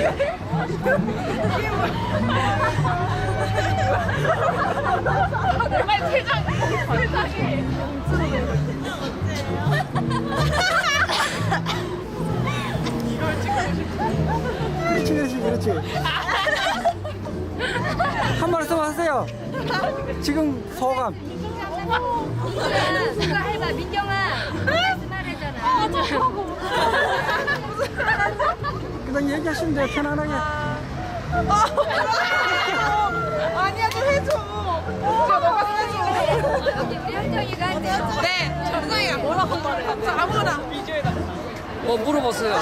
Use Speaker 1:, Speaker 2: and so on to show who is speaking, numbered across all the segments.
Speaker 1: 정말 세상에.
Speaker 2: 그렇지, 그렇지, 그렇지. 한 말씀 하세요. 지금 소감.
Speaker 1: 누가 해봐, 민경아. 말했잖아.
Speaker 2: 그냥 얘기하시면 돼요, 편안하게.
Speaker 3: 아니야, 좀 해줘. 진짜 너가 해줘.
Speaker 1: 여기 우리 현정이가 해줘.
Speaker 3: 네, 정상이가 뭐라고 말해? 아무거나.
Speaker 4: 뭐 물어보세요.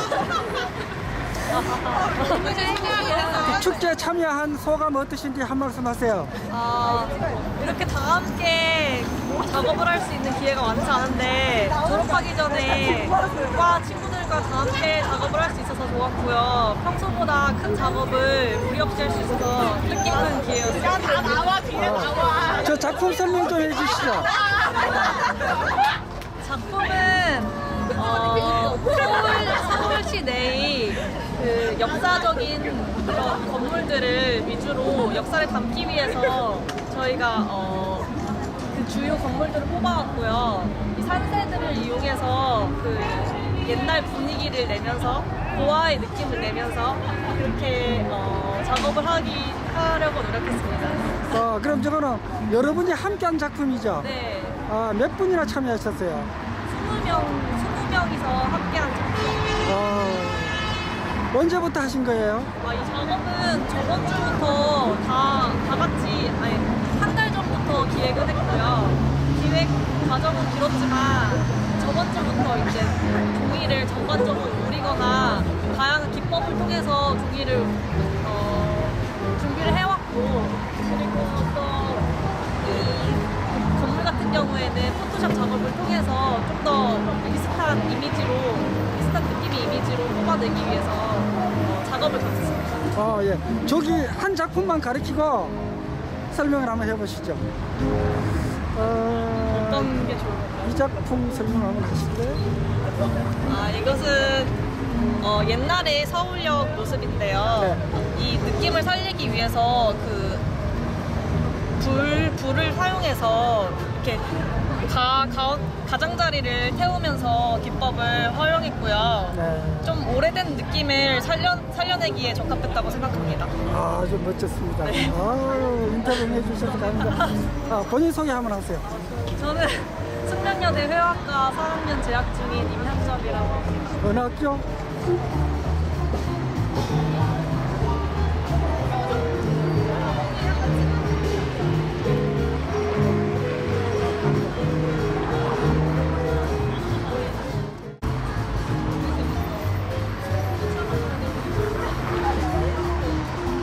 Speaker 2: 축제에 참여한 소감 어떠신지 한 말씀 하세요.
Speaker 3: 이렇게 다 함께 작업을 할 수 있는 기회가 많지 않은데 졸업하기 전에 과 친구들과 다 함께 작업을 할 수 있어서 좋았고요. 평소보다 큰 작업을 무리 없이 할 수 있어서 뜻깊은 기회였어요. 야, 다 나와, 뒤에 나와.
Speaker 2: 저 작품 설명 좀 해주시죠.
Speaker 3: 작품은 서울시 내의 그 역사적인 그런 건물들을 위주로 역사를 담기 위해서 저희가 그 주요 건물들을 뽑아왔고요. 이 산세들을 이용해서 그 옛날 분위기를 내면서 고아의 느낌을 내면서 그렇게 작업을 하려고 노력했습니다.
Speaker 2: 그럼 저거는 여러분이 함께한 작품이죠?
Speaker 3: 네,
Speaker 2: 몇 분이나 참여하셨어요?
Speaker 3: 20명이서 함께한 작품.
Speaker 2: 언제부터 하신 거예요?
Speaker 3: 이 작업은 저번 주부터 다 같이, 한 달 전부터 기획을 했고요. 기획 과정은 길었지만 저번 주부터 이제 종이를 전반적으로 그리거나 다양한 기법을 통해서 종이를 준비를 해왔고, 그리고 또 이 건물 같은 경우에는 포토샵 작업을 통해서 좀 더 비슷한 느낌의 이미지로 뽑아내기 위해서 작업을 같았습니다.
Speaker 2: 예. 저기 한 작품만 가리키고 설명을 한번 해보시죠.
Speaker 3: 어떤 게 좋을까요?
Speaker 2: 이 작품 설명 한번 하실래요?
Speaker 3: 이것은 옛날의 서울역 모습인데요. 이 느낌을 살리기 위해서 그 불을 사용해서 이렇게 가장자리를 태우면서 기법을 활용했고요.
Speaker 2: 네.
Speaker 3: 좀 오래된 느낌을 살려내기에 적합했다고 생각합니다.
Speaker 2: 좀 멋졌습니다. 인터뷰 해주셔서 감사합니다. 본인 소개 한번 하세요.
Speaker 3: 저는 숙명여대 회화과 4학년 재학 중인 임현정이라고 합니다.
Speaker 2: 어느 학교?